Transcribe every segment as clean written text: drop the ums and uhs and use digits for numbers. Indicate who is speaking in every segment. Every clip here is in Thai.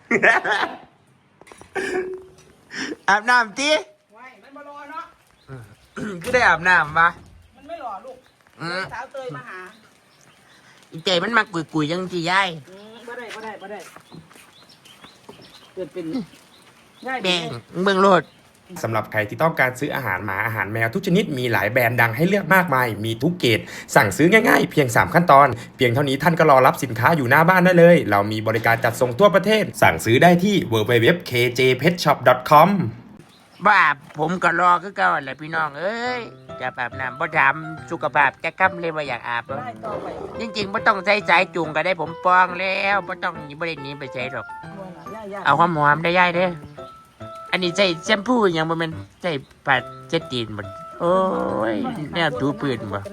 Speaker 1: อาบน้ำตี
Speaker 2: ไว้มันมารอเนาะ
Speaker 1: ก็ได้อาบน้ำปะ
Speaker 2: มันไม่รอลูกสาวเตยมาหา
Speaker 1: อีเจมันมากุยยังจีย่าย
Speaker 2: บ่ได้เกิดเป็นง่าย
Speaker 1: แบ่งเบิ่งโลด
Speaker 3: สำหรับใครที่ต้องการซื้ออาหารหมาอาหารแมวทุกชนิดมีหลายแบรนด์ดังให้เลือกมากมายมีทุกเกรดสั่งซื้อง่ายๆเพียง3ขั้นตอนเพียงเท่านี้ท่านก็รอรับสินค้าอยู่หน้าบ้านได้เลยเรามีบริการจัดส่งทั่วประเทศสั่งซื้อได้ที่ www.kjpetshop.com
Speaker 1: บ้าผมก็รอคือเก่าแหละพี่น้องเอ้ยจะอาบน้ำบ่ถามสุขภาพแกค่ำเลยว่าอยากอาบแล้วจริงๆบ่ต้องใช้สายจูงก็ได้ผมปองแล้วบ่ต้องบ่ได้หนีไปใช้หรอกเอาหอมๆได้ย่ายเด้ออันนี้ใช้แชมพูยังบ่แม่นใช้ปัดเจ็ดตีนบ่โอ้ยแนวถูปืนบ่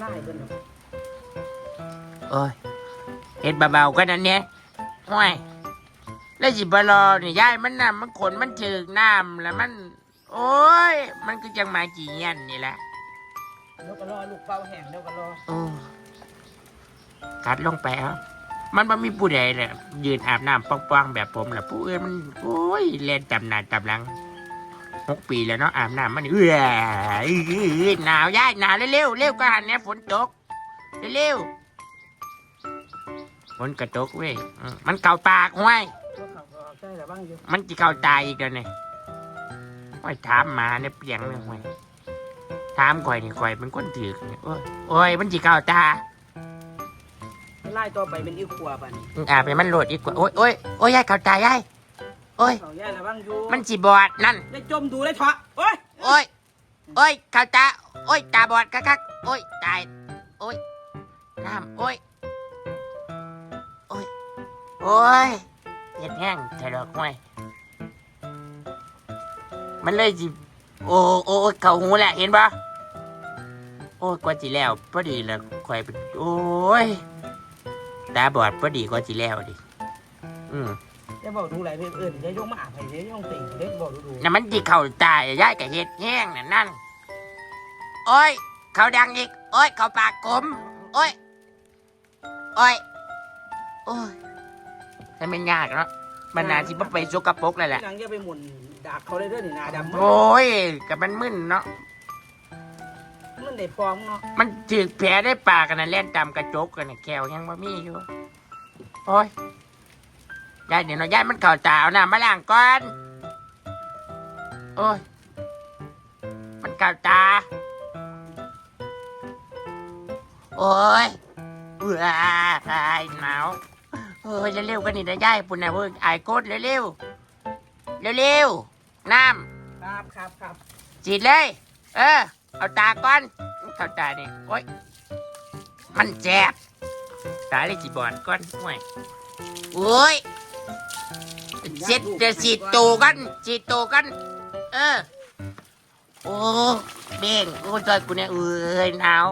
Speaker 1: โอ้ยเฮ็ดเบาๆก็นั่นเนี่ยโอ้ยแล้วสิบ่รอนี่ย่ายมันน่ะมันขนมันถึกน้ำแล้วมันโอ้ยมันก็จังมากี่ยันนี่แหละ
Speaker 2: เดี๋ยวก็รอลูกเป่าแห้งเดี๋ยวก็รอ
Speaker 1: โอ้กัดลงไปครับมันไม่มีผู้ใดเลยยืนอาบน้ำป้องๆแบบผมแหละผู้อื่นมันโอ้ยเล่นจำหน้าจำหลัง6 ปีแล้วเนาะอาบน้ำมันหนาวยากหนาวเร็วเร็วก็หันเนี่ยฝนตกเร็วฝนกระตกเว้ยมันเก่าปากห้วยมันจะเก่าตายอีกแล้วเนี่ยห้อยถามมาเนี่ยเปียงเลยห้วยถามข่อยนี่ข่อยเป็นคนถือเนี่ยโอ้ยมันจะเก่าตา
Speaker 2: ไล่ตัวไปเป็นอีขวบอ่ะนี่
Speaker 1: อาบไปมันโหลดอีกกว่าโอ้ยยายเก่าตายายโอ้ยมันจีบอดนั่น
Speaker 2: ได้จมดูได้เถอะโอ้
Speaker 1: ยเก่าตาโอ้ยตาบอดคักโอ้ยตายโอ้ยน้ำโอ้ยเห็ดแห้งใช่ดอกห้วยมันเลยจีโอ้เข่าหูแหละเห็นปะโอ้ยกว่าจีแล้วพอดีแล้วข่อยเป็นโอ้ยตาบอดพอดีกว่าจีแล้วดิ
Speaker 2: จะบอกดูอะไรเพื่อนจะยกมาอาบให้จะยกติ่งเด็กบอกดู
Speaker 1: น่ะมันจีเข่าตายย้ายกับเห็ดแห้งนั่นโอ้ยเข่าดังอีกโอ้ยเข่าปากกลมโอ้ยถ้าไม่ยากเนาะมันน่าที่ไปสกปรกเลยแหละ
Speaker 2: หลังจะไปหมุนดากเขาเลยด้วยนี่นาดำ
Speaker 1: โอ้ยกับมันมึนเนาะ
Speaker 2: มันได้ฟองเนาะ
Speaker 1: มันถือแผลได้ปากกันนะเล่นตามกระจกกันนะแก้วยังบ่มีอยู่โอ้ยยายเดี๋ยวน้อยายมันเข่าตาเอาน้ำมาล้างก่อนโอ้ยมันเข่าตาโอ้ยหนาวเฮ้ยเร็วๆกันนี่นะยายปุ่นนะเว้ยไอ้โคตรเร็วน้
Speaker 2: ำครับ
Speaker 1: จีดเลยเอาตาก่อนเข่าตานี่โอ้ยมันแจ็บตาเลยจีบอดก่อนโอ้ยเสร็จจะฉีดโตกันโอ้เบ่งโอ้ยจอยกูเนี่ยหนาว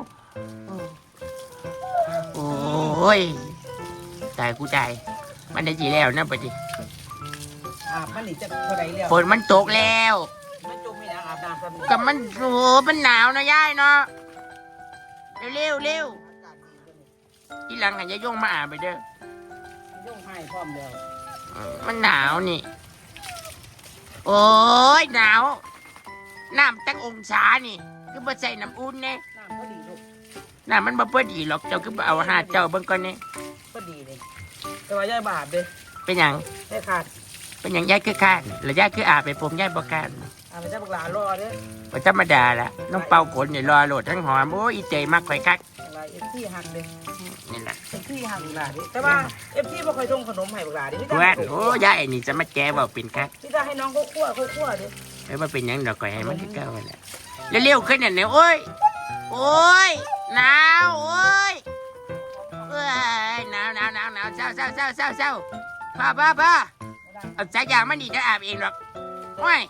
Speaker 1: โอ้ยตายกูตายมันได้จีแล้วนะปะจิ
Speaker 2: มันหนีจะเท่าไรแล้ว
Speaker 1: ฝนมันตกแล้ว
Speaker 2: มันจมไม่ได้อาบน้ำ
Speaker 1: กับมันมันหนาวนะย่ายเนาะเร็วที่หลังกันจะย่งมาอาบไปเด้
Speaker 2: อย่งให้พร้อมแล้ว
Speaker 1: มันหนาวนี่โอ้ยหนาวน้ำตั้งองศานี่คือบ่ใส่น้ำอุ่นเนี่ย
Speaker 2: น้ำก็ดีลูก
Speaker 1: น้ำมันบ่พอดีหรอกเจ้าคือบ่เอาหาเจ้าเบิ่งก่อนนี่
Speaker 2: ก็ดีเลยแต่ว่าย่ายบาดเลย
Speaker 1: เป็นหยัง
Speaker 2: ได้ขาด
Speaker 1: เป็นหยังย่ายคือขาดแล้วย่ายคืออาบไปผมย่ายบ่ขาด
Speaker 2: ไปเจ้าบักหลารอเด้
Speaker 1: บ่ธรรมดาละน้องเป่าขนนี่รอโหลดทั้งหอมโอ้ยอีเจมักข่อยคัก
Speaker 2: เอฟซีหักเลย
Speaker 1: นี่แหละ
Speaker 2: เอฟซีหักบักหลาดิแต่ว่าเอฟซีบ่เคยส่งขนมให้บักหลาดิพี่ตา
Speaker 1: โอ้ย่ายนี่จะมาแก้ว่าเป็นคัก
Speaker 2: พี่ตาให้น้องเขาคั่วดิ
Speaker 1: ว่าเป็นหยังดอกก่อยให้มันคือเก่าแหละเร็วๆขึ้นเนี่ยโอ้ยหนาวโอ้ยหนาวเศร้าพ่อเอาสายยางมันดีจะอาบเองหรอกโอ้ย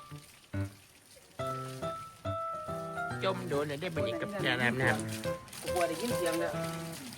Speaker 1: จมโดนเลยได้บรรยากาศน้ำ
Speaker 2: กลัวได้ยินเสียงเลย